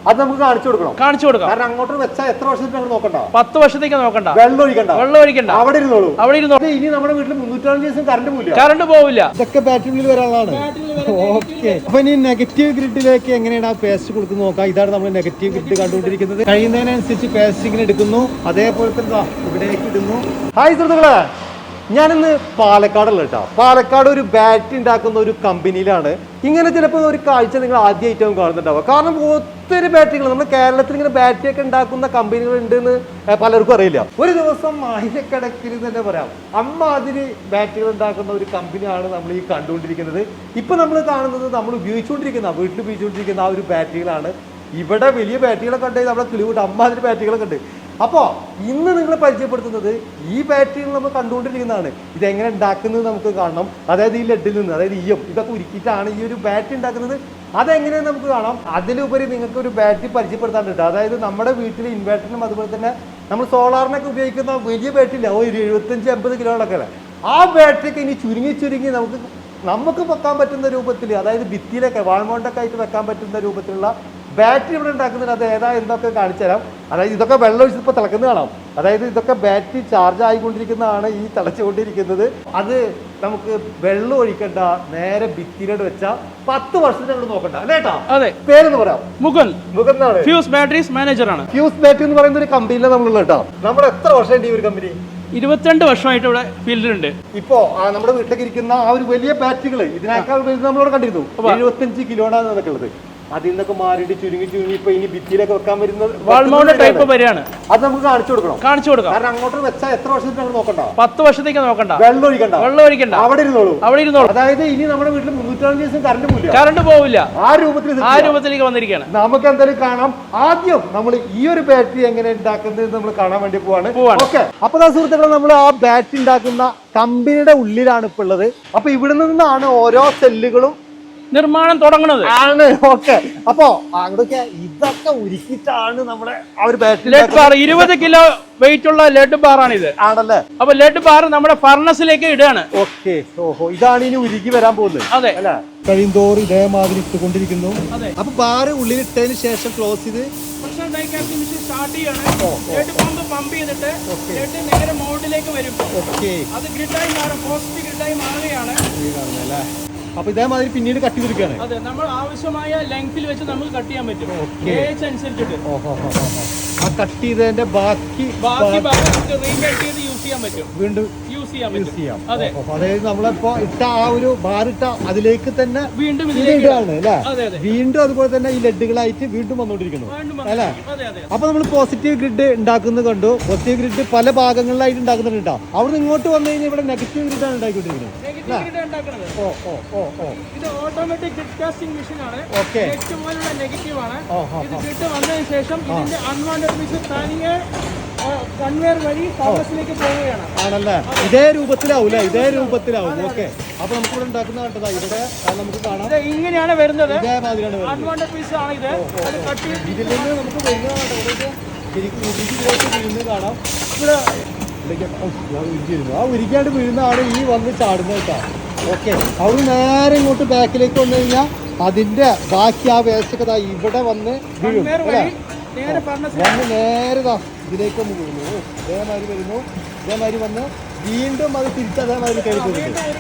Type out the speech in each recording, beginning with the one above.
അത് നമുക്ക് കാണിച്ചു കൊടുക്കണം. കാരണം അങ്ങോട്ട് വെച്ചാൽ എത്ര വർഷത്തേക്ക് നമ്മൾ നോക്കണ്ട, 10 വർഷത്തേക്ക് നോക്കണ്ട, വെള്ളം ഒഴിക്കണ്ട, അവിടെ ഇരുന്നോളൂ. ഇനി നമ്മുടെ വീട്ടിൽ 360 ദിവസം കറണ്ട് പോവില്ല. ഇതൊക്കെ ബാറ്ററിയിൽ വരാനുള്ളതാണ്. ഓക്കെ, അപ്പൊ ഇനി നെഗറ്റീവ് ഗ്രിഡിലേക്ക് എങ്ങനെയാണ് ആ പേസ്റ്റ് കൊടുക്കുന്നത് നോക്കാം. ഇതാണ് നമ്മൾ നെഗറ്റീവ് ഗ്രിഡ് കണ്ടുകൊണ്ടിരിക്കുന്നത്. കഴിയുന്നതിനനുസരിച്ച് പേസ്റ്റ് ഇങ്ങനെ എടുക്കുന്നു, അതേപോലെ തന്നെ ഇവിടേക്ക് ഇടുന്നു. ഹായ് സുഹൃത്തുക്കളെ, ഞാനിന്ന് പാലക്കാടുള്ള കേട്ടോ. പാലക്കാട് ഒരു ബാറ്ററി ഉണ്ടാക്കുന്ന ഒരു കമ്പനിയിലാണ്. ഇങ്ങനെ ചിലപ്പോൾ ഒരു കാഴ്ച നിങ്ങൾ ആദ്യമായിട്ടാവും കാണുന്നുണ്ടാവുക. കാരണം ഒത്തിരി ബാറ്ററികൾ നമ്മുടെ കേരളത്തിൽ ഇങ്ങനെ ബാറ്ററി ഒക്കെ ഉണ്ടാക്കുന്ന കമ്പനികൾ ഉണ്ടെന്ന് പലർക്കും അറിയില്ല. ഒരു ദിവസം ആയിരക്കണക്കിന് തന്നെ പറയാം അമ്മാതിരി ബാറ്ററികൾ ഉണ്ടാക്കുന്ന ഒരു കമ്പനിയാണ് നമ്മൾ ഈ കണ്ടുകൊണ്ടിരിക്കുന്നത്. ഇപ്പൊ നമ്മൾ കാണുന്നത് നമ്മൾ വീട്ടിൽ ഉപയോഗിച്ചുകൊണ്ടിരിക്കുന്ന ആ ഒരു ബാറ്ററികളാണ്. ഇവിടെ വലിയ ബാറ്ററികളൊക്കെ ഉണ്ട്, നമ്മുടെ കിളിവിട്ട് അമ്മാതിരി ബാറ്ററികളൊക്കെ ഉണ്ട്. അപ്പോൾ ഇന്ന് നിങ്ങളെ പരിചയപ്പെടുത്തുന്നത് ഈ ബാറ്ററികൾ നമ്മൾ കണ്ടുകൊണ്ടിരിക്കുന്നതാണ്. ഇതെങ്ങനെ ഉണ്ടാക്കുന്നത് നമുക്ക് കാണണം. അതായത് ഈ ലെഡിൽ നിന്ന്, അതായത് ഇതൊക്കെ ഉരുക്കിയിട്ടാണ് ഈ ഒരു ബാറ്ററി ഉണ്ടാക്കുന്നത്. അതെങ്ങനെയാണ് നമുക്ക് കാണാം. അതിലുപരി നിങ്ങൾക്ക് ഒരു ബാറ്ററി പരിചയപ്പെടുത്താൻ കിട്ടും. അതായത് നമ്മുടെ വീട്ടിൽ ഇൻവേർട്ടറിനും അതുപോലെ തന്നെ നമ്മൾ സോളാറിനൊക്കെ ഉപയോഗിക്കുന്ന വലിയ ബാറ്ററി ഇല്ല, ഒരു 75-80 കിലോകളൊക്കെ അല്ലേ, ആ ബാറ്ററിയൊക്കെ ഇനി ചുരുങ്ങി നമുക്ക് വെക്കാൻ പറ്റുന്ന രൂപത്തിൽ, അതായത് ഭിത്തിയിലൊക്കെ വാൾമൗണ്ടൊക്കെ ആയിട്ട് വെക്കാൻ പറ്റുന്ന രൂപത്തിലുള്ള ബാറ്ററി ഇവിടെ ഉണ്ടാക്കുന്നുണ്ട്. അത് എന്തൊക്കെ കാണിച്ചു തരാം. അതായത് ഇതൊക്കെ വെള്ളം ഒഴിച്ചപ്പോൾ തിളക്കുന്നത് കാണാം. അതായത് ഇതൊക്കെ ബാറ്ററി ചാർജ് ആയിക്കൊണ്ടിരിക്കുന്നതാണ് ഈ തിളച്ചുകൊണ്ടിരിക്കുന്നത്. അത് നമുക്ക് വെള്ളം ഒഴിക്കണ്ട, നേരെ ഭിത്തിയിലോട്ട് വെച്ചാൽ 10 വർഷത്തിനോട് നോക്കണ്ട അല്ലേട്ടാ. അതെ, പേരെന്ന് പറയാം, മുകുൻ എന്നാണ്. ഫ്യൂസ് ബാറ്ററീസ് മാനേജറാണ്. ഫ്യൂസ് ബാറ്ററി എന്ന് പറയുന്ന ഒരു കമ്പനിയിലാണ് നമ്മളുള്ള കേട്ടോ. നമ്മൾ എത്ര വർഷമായിട്ട് ഈ ഒരു കമ്പനി? 22 വർഷമായിട്ട് ഇവിടെ ഫീൽഡിലുണ്ട്. ഇപ്പോ നമ്മുടെ വീട്ടിലേക്ക് ഇരിക്കുന്ന ആ ഒരു വലിയ ബാറ്ററികൾ ഇതിനേക്കാൾ നമ്മളിവിടെ കണ്ടിരുന്നു. 75 കിലോയാണ് അതൊക്കെ ഉള്ളത്. അതിൽ നിന്നൊക്കെ മാറിയിട്ട് ചുരുങ്ങി ഇപ്പൊ ഇനി ഭിത്തിയിലൊക്കെ വെക്കാൻ വരുന്നത് വാൾമൗണ്ട് ടൈപ്പ് വരെയാണ്. അത് നമുക്ക് കാണിച്ചു കൊടുക്കണം. കാരണം അങ്ങോട്ട് വെച്ചാൽ എത്ര വർഷത്തേക്ക് നോക്കണ്ട, 10 വർഷത്തേക്ക് നോക്കണ്ട, വെള്ളം ഒഴിക്കണ്ട, അവിടെ ഇരുന്നോളൂ. അതായത് ഇനി നമ്മുടെ വീട്ടിൽ 360 ദിവസം കറണ്ട് പോവില്ല. ആ രൂപത്തിലേക്ക് വന്നിരിക്കുകയാണ്. നമുക്ക് എന്തായാലും കാണാം. ആദ്യം നമ്മൾ ഈ ഒരു ബാറ്ററി എങ്ങനെ ഉണ്ടാക്കുന്നത് നമ്മൾ കാണാൻ വേണ്ടി പോവാണ്. ഓക്കെ, അപ്പൊ സുഹൃത്തുക്കളെ, നമ്മൾ ആ ബാറ്ററി ഉണ്ടാക്കുന്ന കമ്പനിയുടെ ഉള്ളിലാണ് ഇപ്പൊ ഉള്ളത്. അപ്പൊ ഇവിടെ നിന്നാണ് ഓരോ സെല്ലുകളും നിർമ്മാണം തുടങ്ങുന്നത് ആണ്. ഓക്കെ, അപ്പൊ അങ്ങോട്ടൊക്കെ ഇതൊക്കെ ഉരുക്കിയിട്ടാണ് നമ്മുടെ ആ ഒരു ബാറ്ററി. 20 കിലോ വെയിറ്റ് ഉള്ള ലെഡ് ബാർ ആണ് ഇത്. ആണല്ലേ. അപ്പൊ ലെഡ് ബാർ നമ്മുടെ ഫർണസിലേക്ക് ഇടുകയാണ്. ഓക്കെ, ഓഹോ, ഇതാണ് ഇനി ഉരുക്കി വരാൻ പോകുന്നത്. അതെ അല്ലെ. കഴിയുന്തോറും ഇതേമാതിരി ഇട്ടുകൊണ്ടിരിക്കുന്നു. അപ്പൊ ബാറ് ഉള്ളിലിട്ടതിന് ശേഷം ക്ലോസ് ചെയ്ത് സ്റ്റാർട്ട് ചെയ്യാണ്. പമ്പ് ചെയ്തിട്ട് ലെഡ് നേരെ മോഡിലേക്ക് വരും. അത് ഗ്രിഡായി മാറും, പോസിറ്റീവ് ഗ്രിഡായി മാറുകയാണ്. അപ്പൊ ഇതേമാതിരി പിന്നീട് കട്ടി കൊടുക്കുകയാണ്. അതെ, നമ്മൾ ആവശ്യമായ ലെങ്ത്തിൽ വെച്ച് നമുക്ക് കട്ട് ചെയ്യാൻ പറ്റും. ഏജ് അനുസരിച്ചിട്ട് ആ കട്ട് ചെയ്തതിന്റെ ബാക്കി റീകട്ട് ചെയ്ത് യൂസ് ചെയ്യാൻ പറ്റും, വീണ്ടും യൂസ് ചെയ്യാം. അതെ, അതായത് നമ്മളിപ്പോ ഇട്ട ആ ഒരു ബാറിട്ട അതിലേക്ക് തന്നെ വീണ്ടും ഇതാണ് അല്ലെ. വീണ്ടും അതുപോലെ തന്നെ ഈ ലെഡുകളായിട്ട് വീണ്ടും വന്നുകൊണ്ടിരിക്കുന്നു അല്ലെ. അപ്പൊ നമ്മൾ പോസിറ്റീവ് ഗ്രിഡ് ഉണ്ടാക്കുന്നത് കണ്ടു. പോസിറ്റീവ് ഗ്രിഡ് പല ഭാഗങ്ങളിലായിട്ട് ഉണ്ടാക്കുന്നുണ്ട് കേട്ടോ. അവിടെ ഇങ്ങോട്ട് വന്നു കഴിഞ്ഞാൽ ഇവിടെ നെഗറ്റീവ് ഗ്രിഡാണ് ഉണ്ടാക്കിക്കൊണ്ടിരിക്കുന്നത്. ഇത് ഓട്ടോമാറ്റിക് ഗ്രിഡ് കാസ്റ്റിംഗ് മെഷീൻ ആണ്. നെറ്റ് പോലുള്ള നെഗറ്റീവ് ആണ്. ഇത് ഗ്രിഡ് വന്നതിന് ശേഷം ഇതിന്റെ അൺവാണ്ടഡ് മെഷീൻ തനിയെ കൺവെയർ വഴി ഫർണസിലേക്ക് പോവുകയാണ്. ആണല്ലേ. ഇതേ രൂപത്തിലാവൂല്ലേ? ഇതേ രൂപത്തിലാവും. ഓക്കെ, അപ്പൊ നമുക്ക് ഇവിടെ ഉണ്ടാക്കുന്ന കണ്ടതാ. ഇവിടെ നമുക്ക് കാണാം, ഇങ്ങനെയാണ് വരുന്നത്. ഇതേമാതിരിയാണ് അൺവാണ്ടഡ് പീസ് ആണ് ഇത്. ഇതിൽ നിന്ന് നമുക്ക് വീഴുന്നത് കാണാം. ഇവിടെ ആ ഉരുക്കാണ്ട് വീഴുന്നതാണ് ഈ വന്ന് ചാടുന്നത് കേട്ടോ. ഓക്കെ, അവിടെ നേരെ ഇങ്ങോട്ട് ബാക്കിലേക്ക് വന്നു കഴിഞ്ഞാൽ അതിന്റെ ബാക്കി ആ വേസ്റ്റ് ഒക്കെ ഇവിടെ വന്ന് വീഴും അല്ലേ. നേരെ ഇതിലേക്ക് ഒന്ന് വീഴുന്നു. ഇതേമാതിരി വരുന്നു, ഇതേമാതിരി വന്ന് വീണ്ടും അത് തിരിച്ച് അതേമാതിരി കഴിക്കും.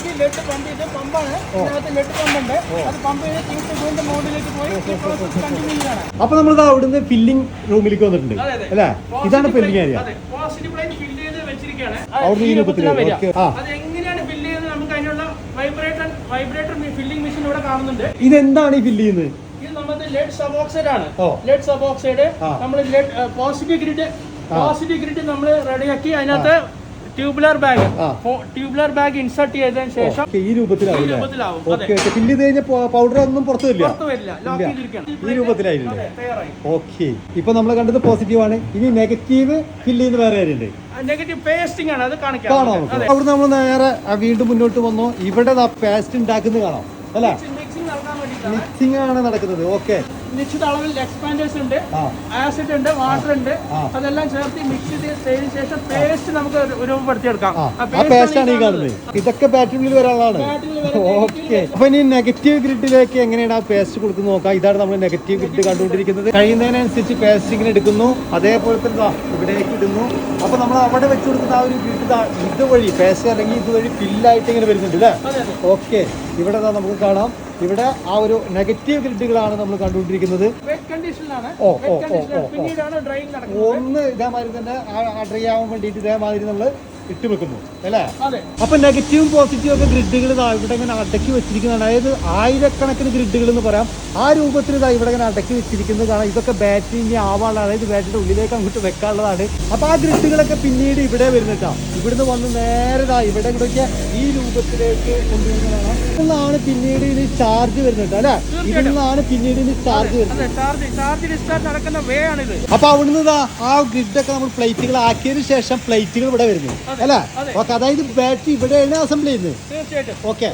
അപ്പൊ നമ്മളിത് അവിടുന്ന് ഫില്ലിംഗ് റൂമിലേക്ക് വന്നിട്ടുണ്ട് അല്ലേ. ഇതാണ് ഫില്ലിംഗ് ഏരിയ. അവിടുന്ന് ഈ രൂപത്തിൽ ഇതെന്താണ് ഈ ഫില്ല് ചെയ്യുന്നത്? ഇത് നമ്മുടെ ലെഡ് സബ് ഓക്സൈഡ് ആണ്. ലെഡ് സബ് ഓക്സൈഡ് നമ്മൾ ലെഡ് പോസിറ്റീവ് ഗ്രിഡ് നമ്മൾ റെഡിയാക്കി അതിനകത്ത് ട്യൂബുലർ ബാഗ് ഇൻസർട്ട് ചെയ്തതിനു ശേഷം ഈ രൂപത്തിലാവും. ഫില്ല് ചെയ്ത് കഴിഞ്ഞാൽ പൗഡർ ഒന്നും പുറത്തു വരില്ല. ഈ രൂപത്തിലായില്ലേ. ഓക്കെ, ഇപ്പൊ നമ്മൾ കണ്ടത് പോസിറ്റീവ് ആണ്. ഇനി നെഗറ്റീവ് ഫില്ല് ചെയ്യുന്ന വേറെ കാര്യമുണ്ട്. നെഗറ്റീവ് പേസ്റ്റിംഗ് ആണ്, അത് കാണിക്കാം. അവിടെ നമ്മൾ നേരെ വീണ്ടും മുന്നോട്ട് വന്നു. ഇവിടെ പേസ്റ്റ് ഉണ്ടാക്കുന്നത് കാണാം അല്ലെ. മിക്സിംഗ് ആണ് നടക്കുന്നത്. ഓക്കെ, നിശ്ചിത അളവിൽ എക്സ്പാൻഡേഴ്സ് ഉണ്ട്, ആസിഡ് ഉണ്ട്, വാട്ടർ ഉണ്ട്, അതെല്ലാം ചേർത്ത് മിക്സ് ചെയ്തതിനു ശേഷം പേസ്റ്റ് നമുക്ക് രൂപപ്പെടുത്തിയെടുക്കാം. ഈ കാണുന്നത് ഇതൊക്കെ ബാറ്ററിയിൽ വരാനുള്ളതാണ്. ഓക്കെ, അപ്പൊ ഇനി നെഗറ്റീവ് ഗ്രിഡിലേക്ക് എങ്ങനെയാണ് ആ പേസ്റ്റ് കൊടുക്കുന്നത് നോക്കാം. ഇതാണ് നമ്മൾ നെഗറ്റീവ് ഗ്രിഡ് കണ്ടുകൊണ്ടിരിക്കുന്നത്. കഴിയുന്നതിനനുസരിച്ച് പേസ്റ്റ് ഇങ്ങനെ എടുക്കുന്നു, അതേപോലെ തന്നെ ഇവിടേക്ക് ഇടുന്നു. അപ്പൊ നമ്മൾ അവിടെ വെച്ച് കൊടുക്കുന്ന ആ ഒരു ഗ്രിഡ് ഇതുവഴി പേസ്റ്റ് അല്ലെങ്കിൽ ഇതുവഴി ഫില്ലായിട്ട് ഇങ്ങനെ വരുന്നുണ്ട് അല്ലേ? ഓക്കെ, ഇവിടെ നമുക്ക് കാണാം, ഇവിടെ ആ ഒരു നെഗറ്റീവ് ഗ്രിഡുകളാണ് നമ്മൾ കണ്ടുകൊണ്ടിരിക്കുന്നത്. ഒന്ന് ഇതേമാതിരി തന്നെ ഡ്രൈ ആവാൻ വേണ്ടിയിട്ട് ഇതേമാതിരി നമ്മൾ ഇട്ട് വെക്കുന്നു അല്ലേ? അപ്പൊ നെഗറ്റീവും പോസിറ്റീവും ഒക്കെ ഗ്രിഡുകൾ ഇവിടെ ഇങ്ങനെ അടക്കി വെച്ചിരിക്കുന്നതാണ്. അതായത് ആയിരക്കണക്കിന് ഗ്രിഡുകൾ എന്ന് പറയാം. ആ രൂപത്തിൽ ഇവിടെ ഇങ്ങനെ അടക്കി വെച്ചിരിക്കുന്നത് കാണാം. ഇതൊക്കെ ബാറ്ററിന്റെ ആവാനുള്ള, അതായത് ബാറ്ററിയുടെ ഉള്ളിലേക്ക് അങ്ങോട്ട് വെക്കാനുള്ളതാണ്. അപ്പൊ ആ ഗ്രിഡുകളൊക്കെ പിന്നീട് ഇവിടെ വരുന്നിട്ടാ. ഇവിടുന്ന് വന്ന് നേരെ ഇവിടെ ഇവിടെയൊക്കെ ഈ രൂപത്തിലേക്ക് കൊണ്ടുവരുന്നതാണ്. ഇന്നാണ് പിന്നീട് ഇതിന് ചാർജ് വരുന്നത് അല്ലെ? ഇതിന്നാണ് പിന്നീട് ഇതിന് ചാർജ് വരുന്നത്. അപ്പൊ അവിടുന്ന് ആ ഗ്രിഡൊക്കെ നമ്മൾ പ്ലേറ്റുകൾ ആക്കിയതിനു ശേഷം പ്ലേറ്റുകൾ ഇവിടെ വരുന്നു അല്ലേ? ഓക്കെ, അതായത് ബാറ്ററി ഇവിടെയാണ് അസംബിൾ ചെയ്യുന്നത്. ഓക്കെ,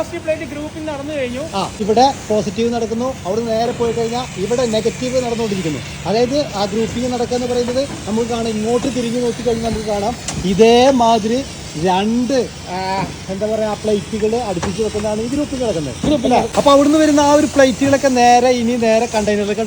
ഇവിടെ പോസിറ്റീവ് നടക്കുന്നു, അവിടെ നേരെ പോയി കഴിഞ്ഞാൽ ഇവിടെ നെഗറ്റീവ് നടന്നുകൊണ്ടിരിക്കുന്നു. അതായത് ആ ഗ്രൂപ്പിംഗ് നടക്കുക എന്ന് പറയുന്നത് നമുക്ക് കാണാം. ഇങ്ങോട്ട് തിരിഞ്ഞു നോക്കി കഴിഞ്ഞാൽ നമുക്ക് കാണാം ഇതേമാതിരി രണ്ട് എന്താ പറയാ പ്ലേറ്റുകൾ അടുപ്പിച്ച് വെക്കുന്നതാണ് ഈ ഗ്രൂപ്പിൽ കിടക്കുന്നത്. അപ്പൊ അവിടുന്ന് വരുന്ന ആ ഒരു പ്ലേറ്റുകളൊക്കെ നേരെ ഇനി നേരെ കണ്ടെയ്നറിലേക്ക്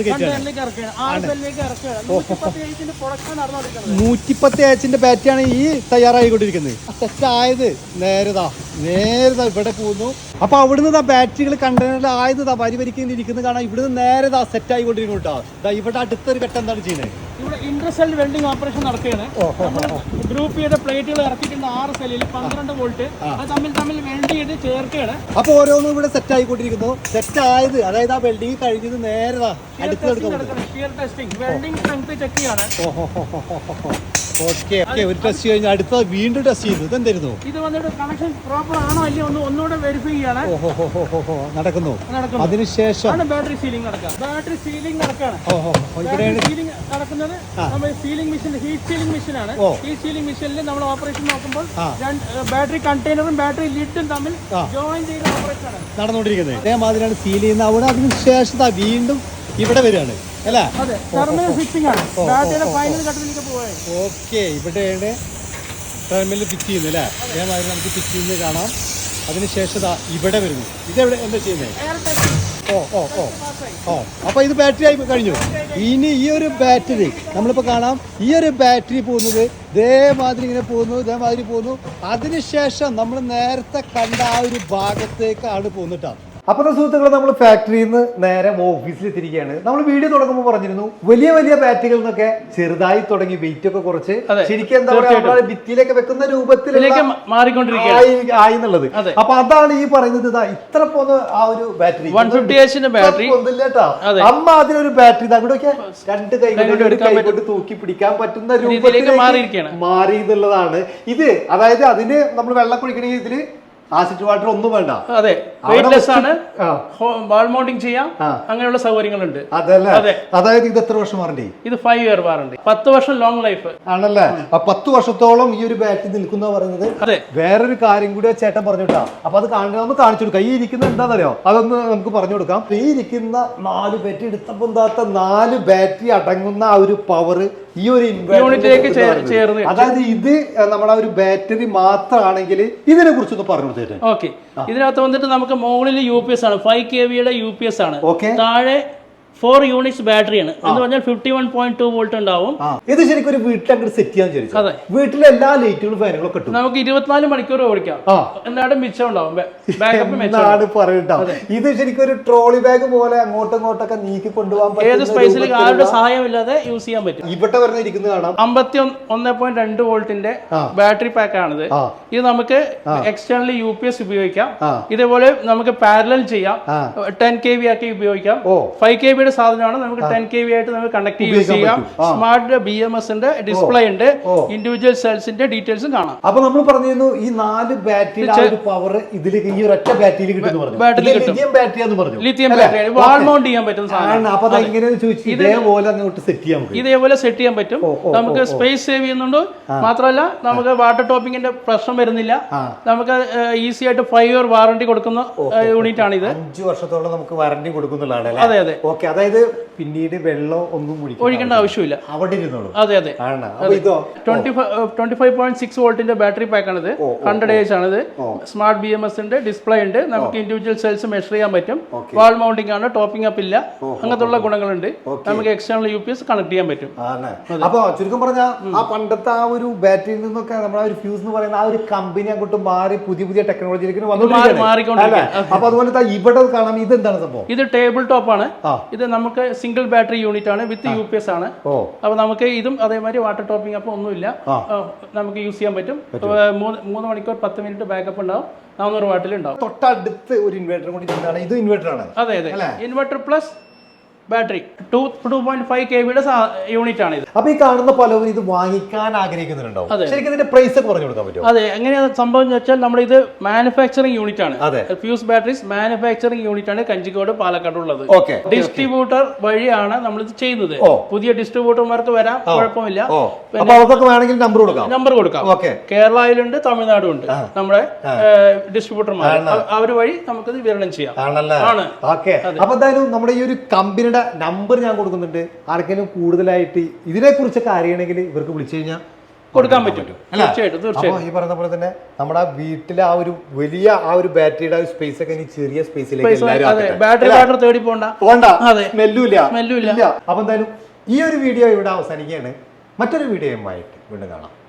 110Hന്റെ ബാറ്ററിയാണ് ഈ തയ്യാറായിക്കൊണ്ടിരിക്കുന്നത്. സെറ്റ് ആയത് നേരതാ ഇവിടെ പോകുന്നു. അപ്പൊ അവിടുന്ന് ബാറ്ററികൾ കണ്ടെയ്നറിൽ ആയത് വരി വരിക്കുന്നത് കാണാം. ഇവിടുന്ന് നേരെ സെറ്റ് ആയിക്കൊണ്ടിരിക്കുന്നു കേട്ടോ. ഇവിടെ അടുത്തൊരു ഘട്ടം എന്താണ് ചെയ്യുന്നത്? ഇവിടെ ഇന്റർസെൽ വെൽഡിംഗ് ഓപ്പറേഷൻ നടക്കുകയാണ്. ഗ്രൂപ്പ് ചെയ്ത പ്ലേറ്റുകൾ ഇറക്കിയിട്ടുണ്ട് 6 സെല്ലിൽ 12 വോൾട്ട്. അത് തമ്മിൽ വെൽഡ് ചെയ്ത് ചേർക്കുകയാണ്. അപ്പൊ ഓരോന്നും ഇവിടെ സെറ്റ് ആയിക്കൊണ്ടിരിക്കുന്നു. സെറ്റ് ആയത് അതായത് ആ വെൽഡിംഗ് കഴിഞ്ഞത് നേരെ വെൽഡിംഗ് സ്ട്രെങ്ത് ചെക്ക് ചെയ്യാണ്. ഓക്കെ, ഒരു ടെസ്റ്റ് കഴിഞ്ഞ് അടുത്ത വീണ്ടും ടെസ്റ്റ് ചെയ്തു. ഇതെന്തായിരുന്നു? ഇത് വന്നിട്ട് കണക്ഷൻ പ്രോപ്പർ ആണോ അല്ലയോ ഒന്നുകൂടെ വെരിഫൈ ചെയ്യാണ്. നടക്കുന്നു. അതിനുശേഷം ബാറ്ററി സീലിംഗ് നടക്കുക. ബാറ്ററി സീലിംഗ് നടക്കുകയാണ്. സീലിംഗ് നടക്കുന്നത് നമ്മൾ sealing machine, heat sealing machine ആണ്. ഈ സീലിംഗ് മെഷീനിൽ നമ്മൾ ഓപ്പറേഷൻ നോക്കുമ്പോൾ ബാറ്ററി കണ്ടെയ്നറും ബാറ്ററി ലിഡും തമ്മിൽ ജോയിൻ ചെയ്ത ഓപ്പറേഷൻ ആണ് നടന്നുകൊണ്ടിരിക്കുന്നത്. അതേമാതിരിയാണ് സീൽ ചെയ്യുന്നത്. അവിടെ അതിനുശേഷം വീണ്ടും ഇവിടെ വരികയാണ് അല്ലേ? ഓക്കെ, ഇവിടെയാണ് ടെർമിനൽ ഫിറ്റ് ചെയ്യുന്നത് അല്ലേ? അതേമാതിരി നമുക്ക് ഫിറ്റ് ചെയ്യുന്നത് കാണാം. അതിനുശേഷം ഇവിടെ വരുന്നു. ഇതെവിടെ എന്താ ചെയ്യുന്നത്? അപ്പൊ ഇത് ബാറ്ററി ആയി കഴിഞ്ഞു. ഇനി ഈ ഒരു ബാറ്ററി നമ്മളിപ്പോ കാണാം. ഈ ഒരു ബാറ്ററി പോകുന്നത് ഇതേമാതിരി ഇങ്ങനെ പോകുന്നു, ഇതേമാതിരി പോകുന്നു. അതിനുശേഷം നമ്മൾ നേരത്തെ കണ്ട ആ ഒരു ഭാഗത്തേക്കാണ് പോകുന്നിട്ടാ. അപ്പോൾ സുഹൃത്തുക്കളെ, നമ്മൾ ഫാക്ടറിയിൽ നിന്ന് നേരെ ഓഫീസിലെത്തിയിരിക്കുകയാണ്. നമ്മൾ വീഡിയോ തുടങ്ങുമ്പോൾ പറഞ്ഞിരുന്നു വലിയ വലിയ ബാറ്ററികൾ നിന്നൊക്കെ ചെറുതായി തുടങ്ങി വെയിറ്റ് ഒക്കെ കുറച്ച് ശരിക്കും എന്താ പറയുക ഭിത്തിയിലേക്ക് വെക്കുന്ന രൂപത്തിലേക്ക് ആയി എന്നുള്ളത്. അപ്പൊ അതാണ് ഈ പറയുന്നത്. ഇത്ര പോകുന്ന ആ ഒരു ബാറ്ററി 150H ബാറ്ററി കേട്ടോ. അമ്മ അതിനൊരു ബാറ്ററി അങ്ങോട്ടൊക്കെ രണ്ട് കൈകൊണ്ട് തൂക്കി പിടിക്കാൻ പറ്റുന്ന രൂപത്തിലേക്ക് മാറി എന്നുള്ളതാണ് ഇത്. അതായത് അതിന് നമ്മൾ വെള്ളം കുടിക്കണമെങ്കിൽ ഇതില് ആസിഡ് വാട്ടർ ഒന്നും വേണ്ട. അതെ, വെയിറ്റ്ലെസ് ആണ്. വാൾ മൗണ്ടിങ് ചെയ്യാം, അങ്ങനെയുള്ള സൗകര്യങ്ങളുണ്ട്. അതല്ലേ? അതായത് ഇത് എത്ര വർഷം വാറണ്ടി? ഇത് 5 ഇയർ വാറണ്ടി, 10 വർഷം ലോങ് ലൈഫ് ആണല്ലേ? 10 വർഷത്തോളം ഈ ഒരു ബാറ്ററി നിൽക്കുന്ന പറയുന്നത്. അതെ, വേറൊരു കാര്യം കൂടി ചേട്ടൻ പറഞ്ഞോട്ടാ. അപ്പൊ അത് ഒന്ന് കാണിച്ചു കൊടുക്കാം. ഈ ഇരിക്കുന്ന എന്താണെന്നറിയോ? അതൊന്ന് നമുക്ക് പറഞ്ഞു കൊടുക്കാം. ഈ ഇരിക്കുന്ന 4 ബാറ്ററി എടുത്തപ്പോൾ എന്താത്ത 4 ബാറ്ററി അടങ്ങുന്ന ആ ഒരു പവർ ഈ ഒരു യൂണിറ്റിലേക്ക് ചേർന്ന്, അതായത് ഇത് നമ്മുടെ ഒരു ബാറ്ററി മാത്രമാണെങ്കിൽ ഇതിനെ കുറിച്ചൊന്ന് പറഞ്ഞു കൊടുത്തേട്ടെ. ഓക്കെ, ഇതിനകത്ത് വന്നിട്ട് നമുക്ക് മുകളിൽ UPS ആണ്, 5 kVയുടെ UPS ആണ്. താഴെ 4 യൂണിറ്റ്സ് ബാറ്ററിയാണ് എന്ന് പറഞ്ഞാൽ 51.2 വോൾട്ട് ഉണ്ടാവും. ഇത് ശരിക്കും ഒരു വീട്ടിൽ അങ്ങോട്ട് സെറ്റ് ചെയ്യാൻ ചോദിച്ചു. അതെ, വീട്ടിലെ എല്ലാ ലൈറ്റുകളും ഫാനുകളും കിട്ടും. നമുക്ക് 24 മണിക്കൂർ ഓടിക്കാം. എല്ലാവരും മിച്ചം ഉണ്ടാവും, ഇത് ശരിക്കും ഒരു ട്രോളി ബാഗ് പോലെ അങ്ങോട്ടും ഇങ്ങോട്ടൊക്കെ നീക്കി കൊണ്ടുപോകാൻ ഏത് സ്പേസിൽ ആരുടെ സഹായമില്ലാതെ യൂസ് ചെയ്യാൻ പറ്റും. ഇവിടെ വരുന്ന ഇരിക്കുന്നത് കാണാം. 51.2 വോൾട്ടിന്റെ ബാറ്ററി പാക്ക് ആണിത്. ഇത് നമുക്ക് എക്സ്റ്റേണലി UPS ഉപയോഗിക്കാം. ഇതേപോലെ നമുക്ക് പാരലൽ ചെയ്യാം, 10 kV ആക്കി ഉപയോഗിക്കാം. 5 kVയുടെ സാധനമാണ്. നമുക്ക് 10 kV ആയിട്ട് നമുക്ക് കണക്ട് യൂസ് ചെയ്യാം. സ്മാർട്ട് BMSന്റെ ഡിസ്പ്ലേ ഉണ്ട്, ഇൻഡിവിജ്വൽ സെൽസിന്റെ ഡീറ്റെയിൽസും കാണാം. അപ്പൊ നമ്മൾ പറഞ്ഞിരുന്നു ഈ 4 ബാറ്ററി പവർ ഇതിലേക്ക് ഈ ഒരൊറ്റ ബാറ്ററിയിൽ കിട്ടും. ലിഥിയം ബാറ്ററി വാൾ മൗണ്ട് ചെയ്യാൻ പറ്റുന്ന സാധനം. ഇതേപോലെ സെറ്റ് ചെയ്യാൻ പറ്റും. നമുക്ക് സ്പേസ് സേവ് ചെയ്യുന്നുണ്ട്. മാത്രമല്ല നമുക്ക് വാട്ടർ ടോപ്പിങ്ങിന്റെ പ്രശ്നം വരുന്നില്ല. നമുക്ക് ഈസി ആയിട്ട് 5 year വാറണ്ടി കൊടുക്കുന്ന യൂണിറ്റ് ആണ് ഇത്. 5 വർഷത്തോളം നമുക്ക് വാറണ്ടി കൊടുക്കുന്നതാണ്. അതെ അതെ. ഓക്കെ, അതായത് പിന്നീട് വെള്ളം ഒന്നും ഒഴിക്കേണ്ട ആവശ്യമില്ല, അവിടെ ഇരുന്നോളൂ. അതെ അതെ. 25.6 വോൾട്ടിന്റെ ബാറ്ററി പാക്ക് ആണിത്. 100 days ആണിത്. സ്മാർട്ട് BMSന്റെ ഡിസ്പ്ലേ ഉണ്ട്. നമുക്ക് ഇൻഡിവിജ്വൽ സെൽസ് മെഷർ ചെയ്യാൻ പറ്റും. വാൾ മൗണ്ടിംഗ് ആണ്, ടോപ്പിംഗ് അപ്പ് ഇല്ല, അങ്ങനത്തെ ഉള്ള ഗുണങ്ങളുണ്ട്. നമുക്ക് എക്സ്റ്റേണൽ UPS കണക്ട് ചെയ്യാൻ പറ്റും. അപ്പൊ ചുരുക്കം പറഞ്ഞാൽ ആ പണ്ടത്തെ ആ ഒരു ബാറ്ററിയിൽ നിന്നൊക്കെ നമ്മുടെ ഒരു ഫ്യൂസ് എന്ന് പറയുന്ന ആ ഒരു കമ്പനി അങ്ങോട്ട് മാറി പുതിയ ടെക്നോളജിയിലേക്ക് മാറിക്കൊണ്ടിരിക്കുകയാണ്. അപ്പൊ അതുപോലെ ഇവിടെ കാണാം. ഇത് എന്താണ് സംഭവം? ഇത് ടേബിൾ ടോപ്പ് ആണ്. ഇത് നമുക്ക് സിംഗിൾ ബാറ്ററി യൂണിറ്റ് ആണ്, വിത്ത് UPS ആണ്. അപ്പൊ നമുക്ക് ഇതും അതേമാതിരി വാട്ടർ ടോപ്പിംഗ് അപ്പ് ഒന്നുമില്ല, നമുക്ക് യൂസ് ചെയ്യാൻ പറ്റും. 3 മണിക്കൂർ 10 മിനിറ്റ് ബാക്കപ്പ് ഉണ്ടാവും. 400 വാട്ടിൽ ഉണ്ടാവും. തൊട്ടടുത്ത് ഒരു ഇൻവെർട്ടർ കൂടി ഇതാണ്. ഇത് ഇൻവെർട്ടർ ആണ്. അതെ അതെ, inverter plus battery 2.5 kV unit ആണ് ഇത്. അപ്പൊ ഈ കാണുന്ന പലരും ഇത് വാങ്ങിക്കാൻ ആഗ്രഹിക്കുന്നുണ്ടാവും. ശരിക്കും ഇതിന്റെ പ്രൈസ് ഒക്കെ പറഞ്ഞു കൊടുക്കാൻ പറ്റുമോ? അതെ, എങ്ങനെയാണ് സംഭവം എന്ന് വെച്ചാൽ നമ്മുടെ ഇത് മാനുഫാക്ചറിംഗ് യൂണിറ്റ് ആണ്. ഫ്യൂസ് ബാറ്ററീസ് മാനുഫാക്ചറിംഗ് യൂണിറ്റ് ആണ് കഞ്ചിക്കോട് പാലക്കാട് ഉള്ളത്. ഡിസ്ട്രിബ്യൂട്ടർ വഴിയാണ് നമ്മൾ ഇത് ചെയ്യുന്നത്. പുതിയ ഡിസ്ട്രിബ്യൂട്ടർമാർക്ക് വരാം, കുഴപ്പമില്ല. നമ്പർ കൊടുക്കാം. കേരളയിലുണ്ട്, തമിഴ്നാടും ഉണ്ട് നമ്മുടെ ഡിസ്ട്രിബ്യൂട്ടർമാർ. അവർ വഴി നമുക്കിത് വിതരണം ചെയ്യാം. ആണ്. അപ്പൊ എന്തായാലും നമ്മുടെ ഈ ഒരു കമ്പനിയുടെ നമ്പർ ഞാൻ കൊടുക്കുന്നുണ്ട്. ആർക്കെങ്കിലും കൂടുതലായിട്ട് ഇതിനെ കുറിച്ചൊക്കെ അറിയണമെങ്കിൽ ഇവർക്ക് വിളിച്ചു കഴിഞ്ഞാൽ കൊടുക്കാൻ പറ്റും. തീർച്ചയായിട്ടും. ഈ പറഞ്ഞ പോലെ തന്നെ നമ്മുടെ വീട്ടിലെ ആ ഒരു വലിയ ആ ഒരു ബാറ്ററിയുടെ സ്പേസ് ഒക്കെ ഇനി ചെറിയ സ്പേസിലേക്ക് ബാറ്ററി തേടി പോണ്ട. സ്മെല്ലുമില്ല. അപ്പൊ എന്തായാലും ഈ ഒരു വീഡിയോ ഇവിടെ അവസാനിക്കുകയാണ്. മറ്റൊരു വീഡിയോയുമായിട്ട് വീണ്ടും കാണാം.